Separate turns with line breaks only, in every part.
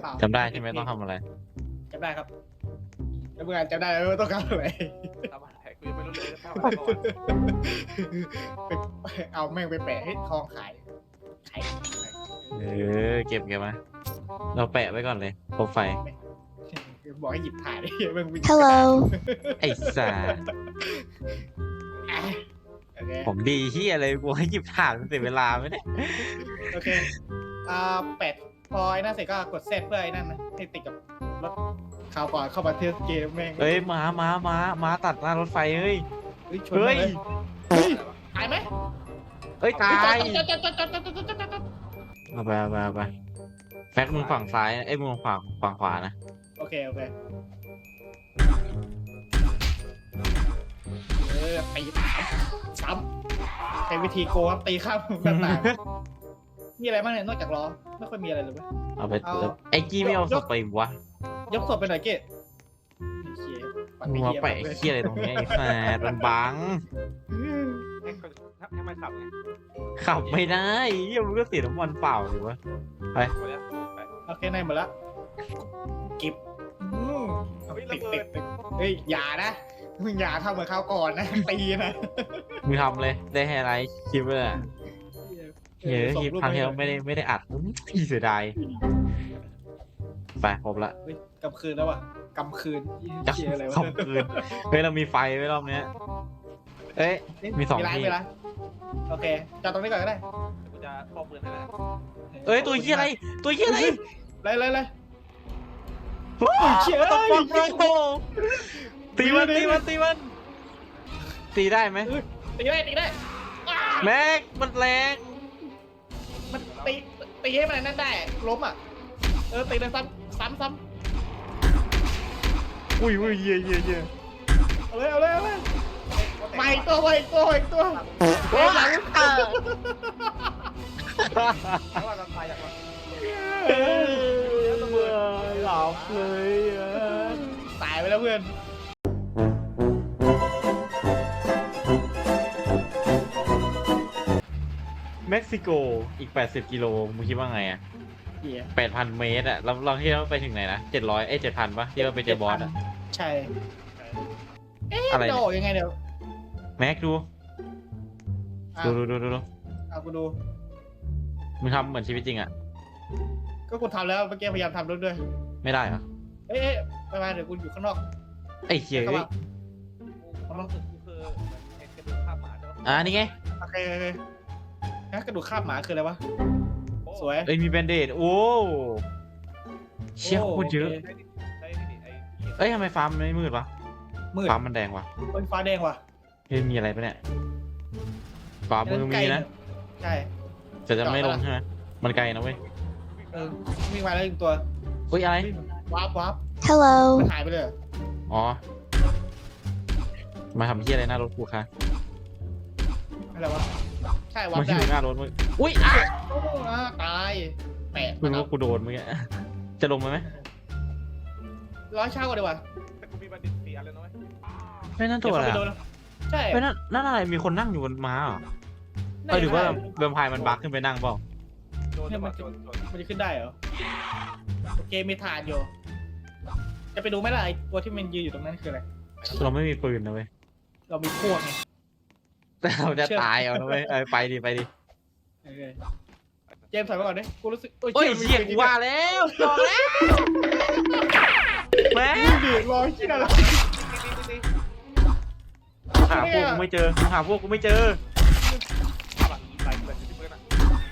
เปล่า
จำได้ใช่ไหมต้องทำอะไร
จำได้ครับจำได้จำได้แล้วว่าต้องการอะไร
ทำอะไรกูยังไม่รู้เลยทำอะไรก่อน
ไปเอาแม่งไปแปะให้ทองขายขาย
เก็บมาเราแปะไว้ก่อนเลยโปรไฟล์
บอกให้หยิบถ่ายแม่งวิ่ง
Hello
ไอ้สา
โอเค
ผมดีที่อะไรกูให้หยิบถ่านมันเสียเวลาไหมเนี่ย
โอเคแปะพอไอ้นั่นเสร็จก็กดเซตเพื่อไอ้นั่นนะให้ติดกับรถข่าวก่อนเข้ามาเทสเกมแม่ง
เฮ้ยม้าตัดหน้ารถไฟเฮ้ย
ชน
เฮ้ย
เลยเฮ้ยตายไหม
เฮ้ยตาย
จอด
เอาไปแฟกมึงฝั่งซ้ายนะเอ้ยมึงฝั่งขวานะ
โอเคตีซ้ำใช้วิธีโกงตีข้ามต่างๆมีอะไรบ้างเนี่ยนอกจากล้อไม่ค่อยมีอะไรเลยเว้ย
เอาไปไอ้กี้ไม่เอาศพไปวะ
ยกศพไปหน่อยเกต
มึงมาแปะเขี้ยอะไรตรงนี้ไอ้แฟดมันบัง
ให้มันขับไง
ขับไม่ได้เหี้ยมึงก็เสียน้ำมันเปล่าหรือวะ
ไปเลยไป
โอเคในหมดละกิบติดเฮ้ยอย่านะมึงอย่าทำเหมือนข้าวก่อนนะตีนะ
มึงทำเลยได้ไฮไลท์คลิปเลยอะเฮ้ยคลิปครั้งที่แล้วไม่ได้อัดเสียดายไปครบละ
กำคืนแล้ววะกำคืน
จะ
เชียอะไรวะ
ค่ำคืนเฮ้ยเรามีไฟไว้รอบเนี้ยเอ้ย มีสองที่
มีร้านโอเคจอดตรงนี้ก่อนก็ได้
กูจะข้อปืนให้นะ
เอ้ยตัวเหี้ยอะไรตัวเหี้ยอะไร
เลย
โอ้ยเชี่ยต้องฟังเลยโอ้ตีมันตีได้ไหม
ตีได้
แม็กมันแรง
มันตีให้มันนั่นได้ล้มอ่ะตีเลยซ้ำ
อุ้ยเย่
เอาเลยไปตัวเฮ้ยหลัง
แล้วว่าเราตายอย่างไร
หลับเลยอ่ะ
ตายไปแล้วเพื่อน
เม็กซิโกอีก80 กิโลมึงคิดว่าไงอ่ะ
เหี้ย
8,000 เมตรอ่ะเราที่เราไปถึงไหนนะ7007,000ปะที่เราไปเจอบอสอ่ะ
ใช่
อะไร
จะ
เนี่ย
ออกยังไงเดี๋ยว
แม็กดู
อ่ะ
ดู
เอากูดู
มึงทำเหมือนชีวิตจริงอ่ะ
ก็กูทำแล้วเมื่อกี้พยายามทำด้วย
ไม่ได้เหรอ
เอ๊ะไปเดี๋ยวกูอยู่ข้างนอก
ไอ้เหี้ย
เข้า
เอ้
มาย
ความรู้สึกกูคือเหมือนกระดูกข้ามหมาใช่ไหม
นี่ไง
โอเคกระดูกคาบหมาคืออะไรวะสวย
เอ้ยมีแบนเดดโอ้เชี่ยโคตรเยอะ
ใช่ดิไอ้
เอ้ยทำไมฟาร์มมันไม่มืดวะ
มืด
ฟาร์มมันแดงวะ
เป็นฟ้าแดงว่ะ
เฮ้ยมีอะไรปะเนี่ยขวามือมีนะ
ใช่
แต่จะไม่ลงใช่ไหมมันไกลนะเว้ย
วิ่งมาแล้วอีกตัว
อุ้ยอะไร
วาร์ป
Hello
มันหายไปเลย
อ๋อมาทำเหี้ยอะไรหน้ารถกูคะ
อะไรวะใช่วา
มั
ร์
น
ป
อ
ได้
ยู่หน้ารถมึงอุ้ย
ตายแปะ
มึงว่ากูโดนมึงอะจะลงไหม
ร้อยเช่าก่อนดีกว่า
แต่กูมีบัณฑิต4 อันแล้วนะเว้ย
ไม่นั่นตัวอะไร
เดี๋ยว
อะ
ใช่
ไม่นั่นอะไรมีคนนั่งอยู่บนม้าเหรอหรือว่าแวมไพร์มันบั๊กขึ้นไปนั่งเปล่า
โดน
เนี่ยมัน
โดน
มันจะขึ้นได้เหรอโอเคมีฐานอยู่จะไปดูไหมล่ะไอตัวที่มันยืนอยู่ตรงนั้นคืออะไร
เราไม่มีปืนนะเว้ย
เรามีพวกไง
แต่เราจะตายเอานะเว้ยไปดิ
โอเคเจมส์ถอยมาก่อนดิกูรู้สึก
โอ้ยเชี่ยกูว่าแล้วจองแล้วแม่
ดิรอยที่อะไร
หาพวกกูไม่เจอหาพวกกูไม่เจอ
ใส่แบบนี้เพื่อนอ่ะ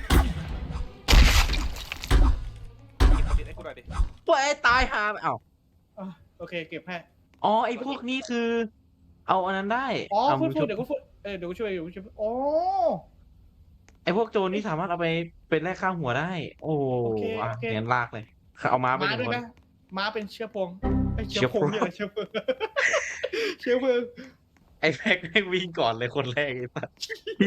บัณฑิตให้กูหน่อยดิ
พวกไอ้ตายหาเอ้า
โอเคเก็บให้
อ๋อไอ้พวกนี้คือ เอาอันนั้นได้
อ๋อ
เอา
พู
มื
ด
อชุบ
เดี๋ยวกูพูดเดี๋ยวกูช่วยอ๋อ
ไอ้พวกโจรนี่สามารถเอาไปเป็นแลกข้าวหัวได้ โอ้อ่ะงั้นลากเลยเอาม้าไป
ม้า
หนึ่
ด้วย
งคน
นะม้าเป็นเชื้อเพลิงเชื้
เชื้
อ
อ
เพ
เพลิ
ลิ
ง
งเนี่ยเชื้อเพลิงเชื้อเพลิง
ไอ้แม็กแม่งวิ่งก่อนเลยคนแรกไอ้สัส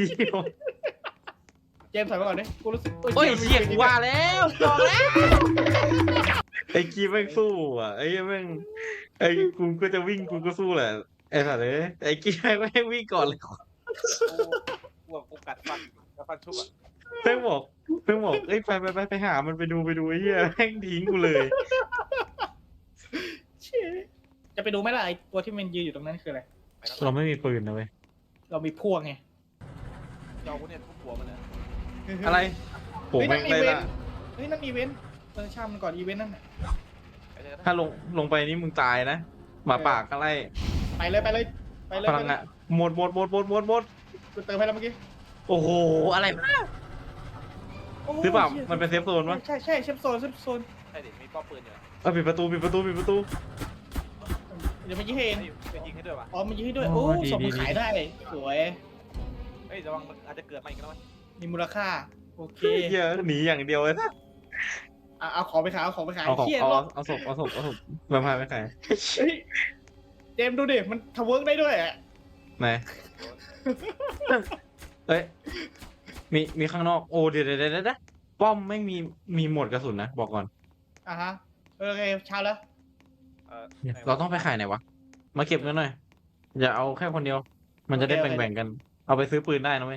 เจมส์ถอยมาก่อนดิกูรู้สึก
โอ้ยเชี่ยกูว่าแล้วจองแล้วไอ้กีแม่งสู้อ่ะไอ้แม่งไอ้กูก็จะวิ่งกูก็สู้แหละไอ้สัสเลยไอ้กีแม่งวิ่งก่อนเลย
กูกัดฟันชุบอ่ะ
เพิ่งบอกเอ้ยไปหามันไปดูไอ้เหี้ยแม่งทิ้งกูเลย
เชี่ยจะไปดูไหมล่ะไอตัวที่มันยืนอยู่ตรงนั้นคืออะไร
เราไม่มีปืนนะเว้ย
เรามีพวกไง
เจ้ากูเนี่ยทุบหัวมันนะ
อะไรโหแม่งเลยล่ะ
เฮ้ยนั่นอีเวนต์ช่างมันก่อนอีเวนต์นั่นน่ะ
ไปเลยนะ
ถ้าลงไปนี่มึงตายนะหมาป่าก็ไล่
ไปเลยไปเลยไปเลย
พลังอะหมด
กูเติมให้แล้วเมื่อกี้
โอ้โหอะไรวะ
โอ้ย
หรือเปล่ามันเป็นเซฟโซนวะ
ใช่เชฟโซน
ใช่ดิมีป้อมปืนอยู่
เอาปิดประตู
เดี๋ยวมันยิงให้เอง
ไปยิงให้ด้วยวะ
อ๋อมันยิงให้ด้วย
โอ้
โอ้
ดี
ส่ง
ดี
มาขายได้สวย
เฮ้ยระวังมันอาจจะเกิดมาอีกแล้วมั้ย
มีมูลค่าโอเค
เหี้ยหนีอย่างเดียวเลยนะ
เอาของไปขายเอาของไปขาย
เอาของ
เชี่ย
เอาศพมาพาไปขาย
เฮ้ยเจมส์ดูดิมันทำเวิร์กได้ด้วยอ่ะ
ไหนเอ้ยมีข้างนอกโอ้เดี๋ยวป้อมไม่มีหมดกระสุนนะบอกก่อน
อ่ะฮะโอเคเช้าแล้ว
เราต้องไปขายไหนวะมาเก็บเงินหน่อยอย่าเอาแค่คนเดียว มันจะได้แบ่งกัน เอาไปซื้อปืนได้นะเว้ย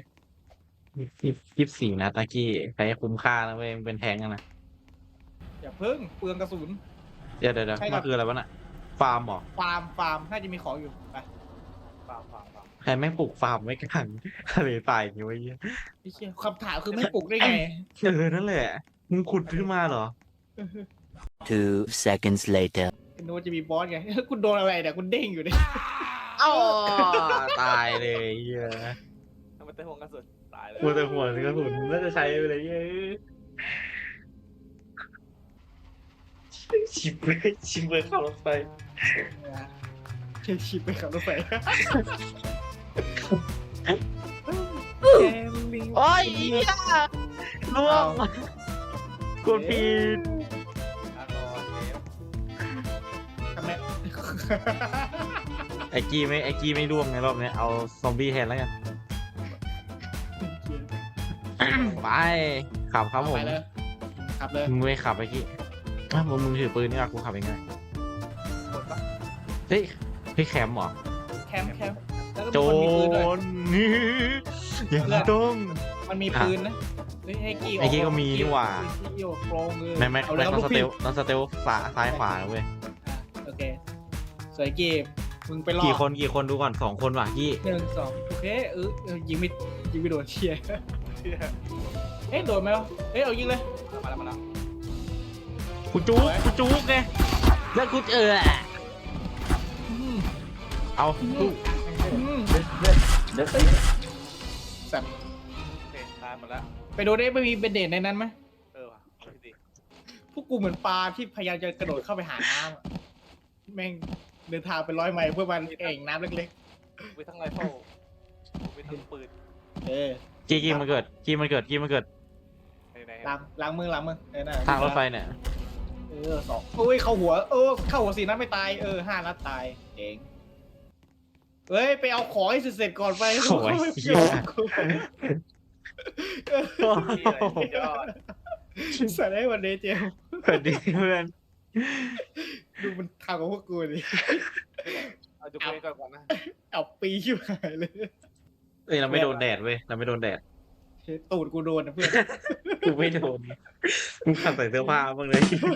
24นะตะกี้ใช้คุ้มค่านะเว้ยมันเป็นแทงกันนะ
อย่าเพิ่งเปลืองกระสุน
เดี๋ยว
ใช่ครับ
มันคืออะไรวะน่ะฟาร์มเหรอ
ฟาร์มน่าจะมีของอยู่ไป
เปล่า
ใครแม่งปลูกฟาร์มไว้กลางทะเลตายอย่างงี้วะเหี้ย
ไอ้เชี่ยคำถามคือไม่ปลุกได้ไง
นั่นแหละมึงขุดขึ้นมาเหรอ
2 seconds later.
คุณโน้ตจะมีบอสไง คุณโดนอะไรเนี่ยคุณเด้งอยู่เนี่ย
อ้าวตายเลยเหี้ย
ทำไมเตะห่วงกระสุนตายเลย
มัวแต่หัวกระสุนน่าจะใช้ไปเลยเหี้ยชิบเลยเข้ารถไฟ
เชี่ยชิบไปขับรถไฟ
โอ้ยล่วงกดผิด
ลาก่อนเกม
ทำไม
ไอ้กี้ไม่ล่วงในรอบนี้เอาซอมบี้แทนแล้วกันไปขับครับผม
ไปเลยขับเลย
มึงไม่ขับไอ้กี้อ่ะมึงถือปืนนี่อ่ะกูขับเองไง
กดปะ
เฮ้ยแคมป์เหรอ
แคมป์แล้วก็
โจ
มีคนมีปืนด้วย
รนี่ยังต้อง
มันมีปืนนะเฮ้ยให้กี้
ไอ้กี้ก็มีนี่หว่า
ให้กี้โปรงเลย
ไม่
เอา
ไม่
แล้ว
ต้อง
ลูก
สเต
พี่
ลต้องสเตลซ้ายขวานะเว้ย
โอเคสวยกี้มึงไปรอ
กี่คนดูก่อน2 คนว่ะกี้
1 2โอเคยิงไม่โดนเชียร์ เอ๊ะโดนไหมวะเอายิงเลย
มาแล้ว
กูจุกไงแล้วกูเอา
สัตว์
โอเคตายหมดแล้ว
ไปดูได้ไม่มีเบนเดนในนั้นไหม
ว่ะดี
พวกกูเหมือนปลาที่พยายามจะกระโดดเข้าไปหาน้ำอะแม่งเดินทางเป็น100 ไมล์เพื่อมันเอ่งน้ำเล็ก
วิทั้งไรเฟิลวิทั้งปืน
ๆ
กี้มันเกิด
ไหน
ล้างมือน่ะ
ทางรถไฟเนี่ย
2โอ้ยเข้าหัวเข้าหัว4 นัดไม่ตาย5 นัดตายเองเฮ้ยไปเอาของให้เสร็จก่อนไป
โอ้ยเหี้ย
ยอด
ใส่ได้วันนี้เจมส์
สวัสดีเพื่อน
ดูมันทำกับพวกกูดิ
เอาดูไปก่อนนะ
เอาปีชิบหายเลย
เอ้ยเราไม่โดนแดดเว้ยเราไม่โดนแดด
ตูดกูโดนนะเพื่อน
กูไม่โดนมึงขับใส่เสื้อผ้าบ้างเลย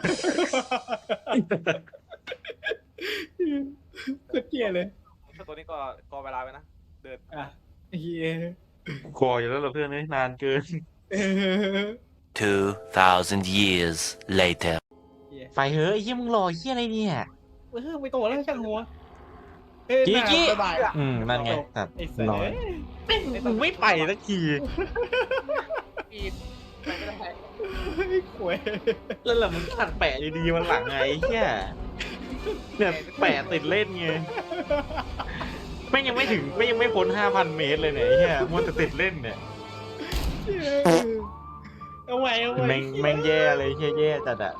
ก็เกลียเลย
ถ้าตัวนี้ก็กอเวลาไว้นะเดิน
อ่ะเฮีย
กลัวอยู่แล้วเหรอเพื่อนเอ้ยนานเกิน
2,000 years later.
ไปเฮ้ยไอ้เหี้ยมึงรอไอ้เหี้ยอะไรเนี่ย
ไม่โตแล้วช่างหัว
กี้
บ๊ายบาย
นั่นไงตัด
ไอ้สัส
รอมึงไม่ไปสักที
ปีนไปไม่ได้
ขวย
แล้วล่ะมึงขัดแปะดีๆมันหลังไงไอ้เหี้ยเนี่ยแปะติดเล่นไงไม่ยังไม่พ้น 5,000 เมตรเลยเนี่ยไอ้เหี้ยมันจะติดเล่นเนี่ย
เอาไว้
แม่งแย่เลยเหี้ยแย่จัดอะ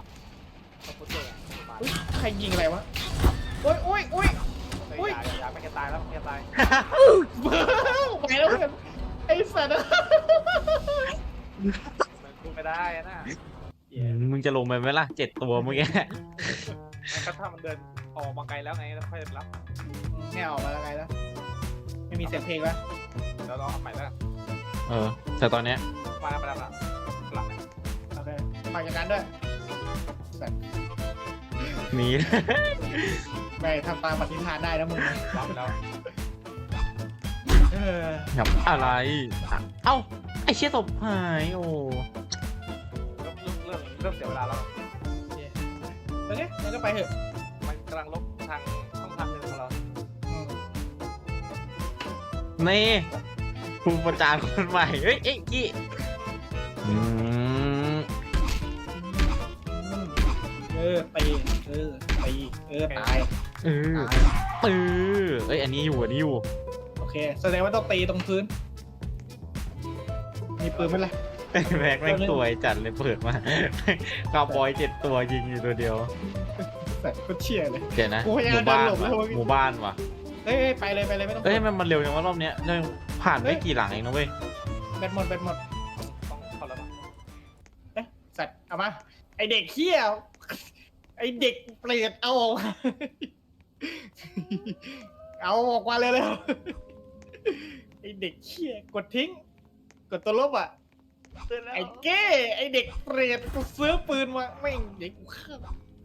ใครยิงอะไรวะโอ้ย
อย่าไม่แกตายแล้วแกตาย
ไปแล้วเพื่อนไอ้สัตว์
มันกูไม่ได้นะ
มึงจะลงไปไหมล่ะ7 ตัวเมื่อกี้
มันก็ถ้ามันเดินออกมาไกลแล้วไงแล้วค่อยรับ
แนวออกมาแล้วไงแล้วไม่มีเสียงเพลงแล้ว
แล้วเราเอาใหม่แล้ว
แต่ตอนเนี้ย
มาแล้วหลัง
โอเคฝากอย่างนั้นด้วยสัตว์
หนี
ไม่ทำตามปฏิฐานได้นะมึงนะ
วางไปแล้ว
เออ
ครับอะไรเอ้าไอ้เชี่ยศพหายโอ้
เริ่มเสียเวลาแล้ว
โอเคงั้นก็ไปเถอะ
มันกำลังลบทางช่องทางหนึ่งของเรา
อืม
นี่ครูประจานคนใหม่เฮ้ยเอ้ยกี้อืม
ตีตาย
เออเอ้ยอันนี้อยู่
โอเคแสดงว่าต้องตีตรงพื้นมีปืนไหมล่ะ
แม็กแม่งสวยจัดเลยเปิดมาคาวบอย7 ตัวยิงอยู่ตัวเดียว
แต่ก็เชี่ยเลย
เดี๋ยวนะ
กูพยายาม
หมู่บ้าน
เดินหลบแล้ว
ว่ะหมู่บ้านว่ะ
เอ้ยไปเลยไม่ต้อง
เอ้ยมันเร็วอย่างว่ารอบเนี้ยเรื่องผ่านไม่กี่หลังเองนะเว้ย
แบตหมด
ต้องเข้าแล้ว
เอ๊ะสัตว์เอามาไอเด็กเขี้ยวไอเด็กเปรตเอาออกมาเอาออกมาเลยไอเด็กเขี้ยกดทิ้งกดตัวลบอ่ะไอเก้ไอเด็กเปรตกูซื้อปืนมาไม่งเด็กกูฆ่า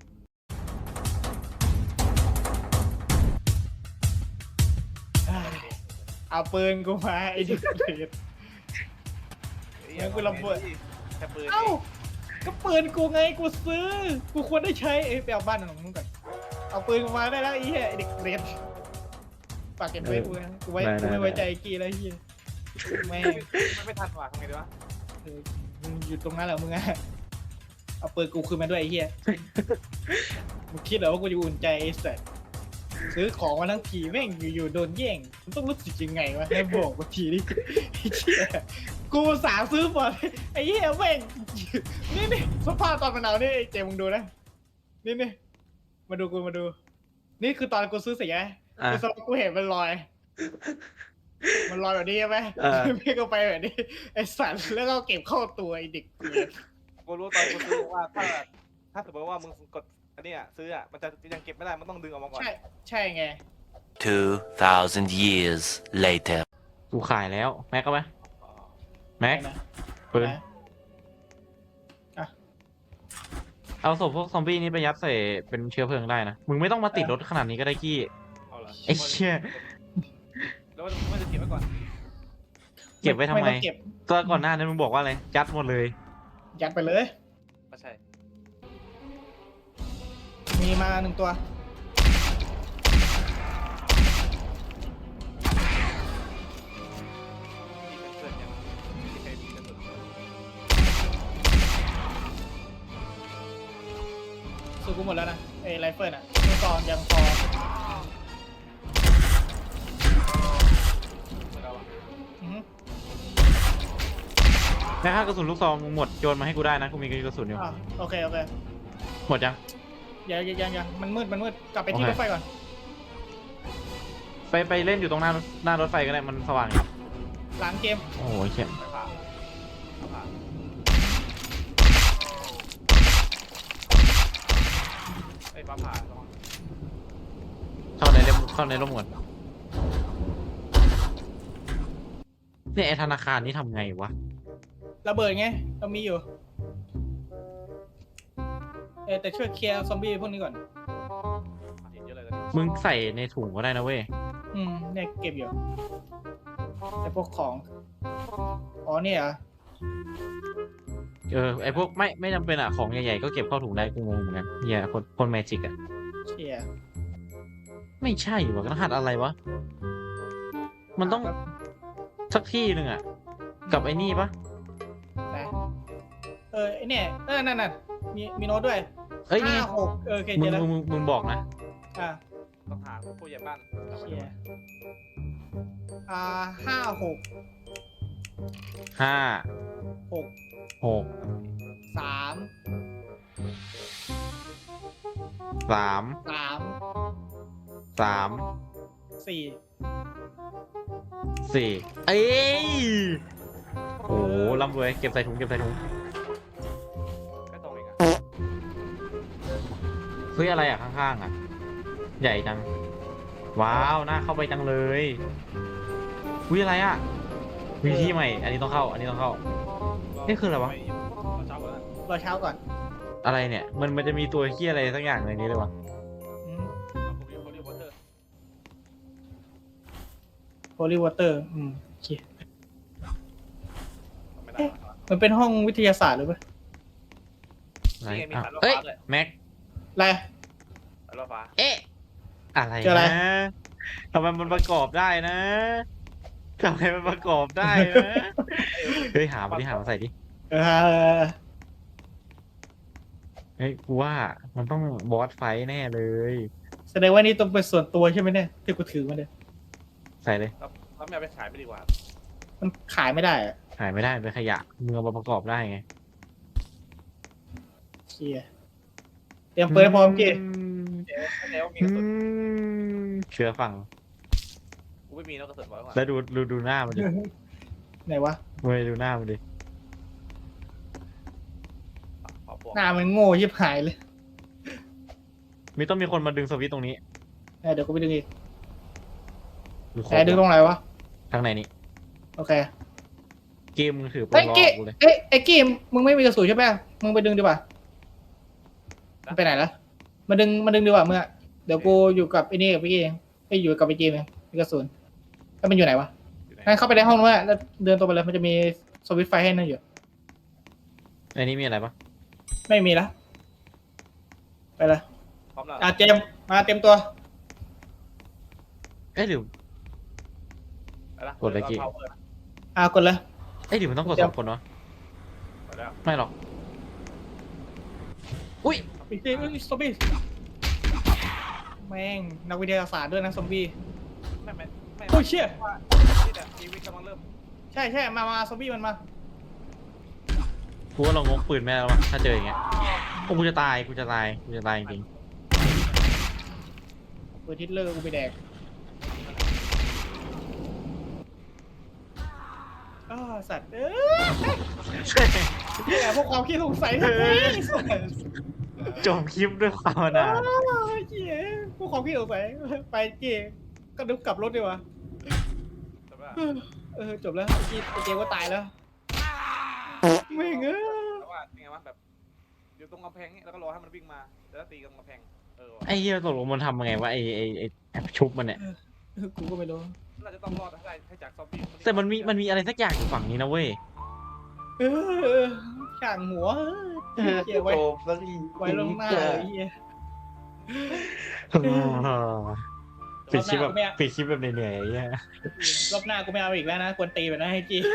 เอาปืนกูมาไอเด็กเปรต งั้นกูระเบิด
แค่ปืน
เอ้าก็ปืนกูไงกูซื้อกูควรได้ใช้เอ้ยไปเอาบ้านของมึงก่อนเอาปืนกูมาได้แล้วไอ้เหี้ยไอ้เด็กเปรตฝากเก็บไว้กูนะกูไม่ไว้ใจไอ้กี้แล้วไอ้เหี้ยแม่ง
มันไม่ทันว่ะทำไงดีวะ
มึงอยู่ตรงนั้นเหรอมึงอะเอาปืนกูคืนมาด้วยไอ้เหี้ยมึงคิดเหรอว่ากูจะอุ่นใจไอ้สัสซื้อของมาทั้งทีแม่งอยู่ๆโดนแย่งมันต้องรู้สึกยังไงวะให้บอกกูทีนี่ไอ้เหี้ยกูสาซื้อหมดไอ้เหี้ยแม่งนี่สภาพตอนมันเอานี่ไอ้เจมึงดูนะนี่มาดูกูมาดู นี่คือตอนกูซื้อเสีย
อ่ะ
คือสภาพกูเห็นมันลอย มันลอยแบบนี้ใช่ไหมไม่ก็ไปแบบนี้ไอ้สัตว์แล้วก็เก็บเข้าตัวไอ้เด็กเกลียด
กูรู้ตอนกูซื้อว่าถ้าสมมติว่ามึงกดอันนี้ซื้อมันจะยังเก็บไม่ได้มันต้องดึงออกมาก่อน
ใช่ไง
2,000 years later.
กูขายแล้วแม็กก็ไหมแม็ก
นะ
ปืน
นะ
เอาศพพวกซอมบี้นี้ไปยัดใส่เป็นเชื้อเพลิงได้นะมึงไม่ต้องมาติดรถขนาดนี้ก็ได้กี้
เอาละ
ไอ้เชี่ย
แล้วมันจะเก็บไว้ก่อน
เก็บไว้ทำไม
ต้องเก็บ
ตัวก่อนหน้านั้นมึงบอกว่าอะไรยัดหมดเลย
ยัดไปเลย
ไม่ใช่
มีมาหนึ่งตัว
มีเป็นเพื่อนยังไม่มีใครมีกันสุด
ซื้อกูหมดแล้วนะไอ้ไรเฟิลอ่ะลูกซองยังพอ
แล้วอะ
อือฮึ
แต่ถ้ากระสุนลูกซองมึงหมดโยนมาให้กูได้นะกูมีกระสุนอยู่
อ่ะโอเค
หมดยัง
ยังมันมืดกลับไปที่
โอ
ร
เค
ถไฟก่อน
ไปเล่นอยู่ตรงหน้ารถไฟก็ได้มันสว่างอยู่
หลังเกม
โอ้โหเข้ม
ไม่ผ่านเอาผ่านไอ้ฟ้าผ่าระวัง
เข้าในร่มก่อนเนี่ยไอธนาคารนี่ทำไงวะ
ระเบิดไงเรามีอยู่แต่ช่วยเคลียร์ซอมบี้พวกนี้ก่อน
เห็นเยอะเลยตอนนี้
มึงใส่ในถุงก็ได้นะเว้ย
เนี่ยเก็บอยู่แต่พวกของอ๋อเนี่ยเหรอ
ไอพวกไม่จำเป็นอ่ะของใหญ่ๆก็เก็บเข้าถุงได้กูงงเหมือนกันเฮียคนแมจิกอ่ะ
เชียร์
ไม่ใช่วะรหัสอะไรวะมันต้องสักที่หนึ่งอ่ะกับไอ้นี่ปะ
นะไอเนี่ยนั่นมีโน้ตด้วย
เอ้ยนี่
56โอเค
มึ
เจ
ง
อแล้ว
มึงบอกนะ
อ่ะ
ต้องหาผู้ใหญ่บ้าน
เชียร์56
ห้า
6
หก
3
สาม
3
สาม
4
สี่เอ้ยโอ้โหร่ำรวยเก็บใส่ถุง
แค่ตรงเองอะ
เฮ้ยอะไรอ่ะข้างๆอ่ะ ใหญ่จัง ว้าวน่าเข้าไปจังเลยอุ้ยอะไรอ่ะมีที่ใหม่ อันนี้ต้องเข้า อันนี้ต้องเข้า นี่คืออะไรวะ
รอเช้าก่อนนะ
รอเช้าก่อน
อะไรเนี่ย มันจะมีตัวเฮียอะไรสักอย่างในนี้เลยวะ
อืม
เอาผมอยู่วอเตอร์
holy water โอเค
ไม่ได้
มันเป็นห้องวิทยาศาสตร์หรือเปล่า
อะไร
นี่ไงมี
อ่ะ
สายรถ
เอ้ย
ฟ้าด้วย
แม็ก
อะไร
สายรถฟ้า
เอ๊ะ อะไร
เจออะไร
นะทำไมมันประกอบได้นะทำไมมันประกอบได้นะ เฮ้ยหามาใส่ดิ
เออ
เฮ้ยกูว่ามันต้องบอสไฟท์แน่เลย
แสดงว่านี่ต้องเป็นส่วนตัวใช่ไหมเนี่ยที่กูถือมาเนี่ย
ใส่เลย
แล้วไม่เอาไปขายไปดีกว่า
มันขายไม่ได้อะ
หายไม่ได้เป็นขยะมึงเอามาประกอบได้ไง
เชียเตรียมปืนให้พร้อมกี่
ไม่แน่ว่ามีกระสุน
เชื่อฟัง
กูไม่มีนะกระสุนไว้ข้างหลัง
แล้วดูหน้ามันดิ
ไหนวะ
เว้ยดูหน้ามันดิ
ขอปวก
หน้ามันโง่ยิบหายเลย
ต้องมีคนมาดึงสวิตช์ตรงนี้
เดี๋ยวกูไปดึงอีก
หรือคร
แต่ดึงตรงไหนวะ
ทางไหนนี่
โอเค
เกมมึงถือปื
ไอ้
นรอ
กี้
กูเลย
ไอ้กี้มึงไม่มีกระสุนใช่ไหมมึงไปดึงดีกว่ามันไปไหนละมาดึงดีกว่าเมื่อะเดี๋ยวกูอยู่กับไอ้นี่กับพี่เองไปอยู่กับไอ้เจมเองมีกระสุนแล้วมันอยู่ไหนวะ
อยู่ไหน
งั้นเข้าไปในห้องนู้นอะแล้วเดินตรงไปเลยมันจะมีสวิตช์ไฟให้นั่นอยู่
ไอ้นี่มีอะไรปะ
ไม่มีละไปละ
พร้อมแล้ว
เจมมาเต็มตัว
เอ้ยหรือ
ไปละ
กดเลยกี่
เอาเปิด
กดเลย
เอ้ยหรือมันต้องกด
เดี๋
ส
ยว
องคนวะ
ไปแล้ว
ไม่หรอก อุ้ย
ไอ้เจมซอมบี้แม่งนักวิทยาศาสตร์ด้วยนะซอมบี้
ไม่
โอ้ยเชี่ย
ว่าที่แต่ชีวิตกำลังเริ่ม
ใช่มาซอมบี้มันมา
กูว่าเรางกปืนแม่แล้ววะถ้าเจออย่างเงี้ยโอ้กูจะตายจริง
เปิดทิตเลอร์กูไปแดกสัตว์แต่พวกความคิดสงสัยทั้งนั้น
ๆจบคลิปด้วยความอนาถ
เหี้ยพวกความคิดสงสัยไปเจก็นึกกลับรถดีกว่า
แต่ว่า
จบแล้วเจก็ตายแล้วไม่เงย
แต่ว่ายังไงวะแบบอยู่ตรงกำแพงนี่แล้วก็รอให้มันวิ่งมาแล้วตีกับกำแพงว่ะ
ไอ้เหี้ยตกลงมันทำยังไงวะไอ้ชุบมันเนี่ย
กูก็ไม่รู้
เราจะต้องรอดให้จากซอมบี้
แต่มันมีอะไรสักอย่างอยู่ฝั่งนี้นะเว้ย
ช่างหัวเกี่ยวไว้ลงหน้าเลยเฮีย
ปิดคลิปแบบเหนื่อยๆไอ้เหี้ย
รอบหน้ากูไม่เอาอีกแล้วนะควรตีไปนะให้จี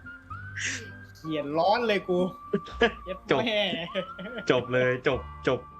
เขียนร้อนเลยกู
จบ
แม่
จบเลยจบ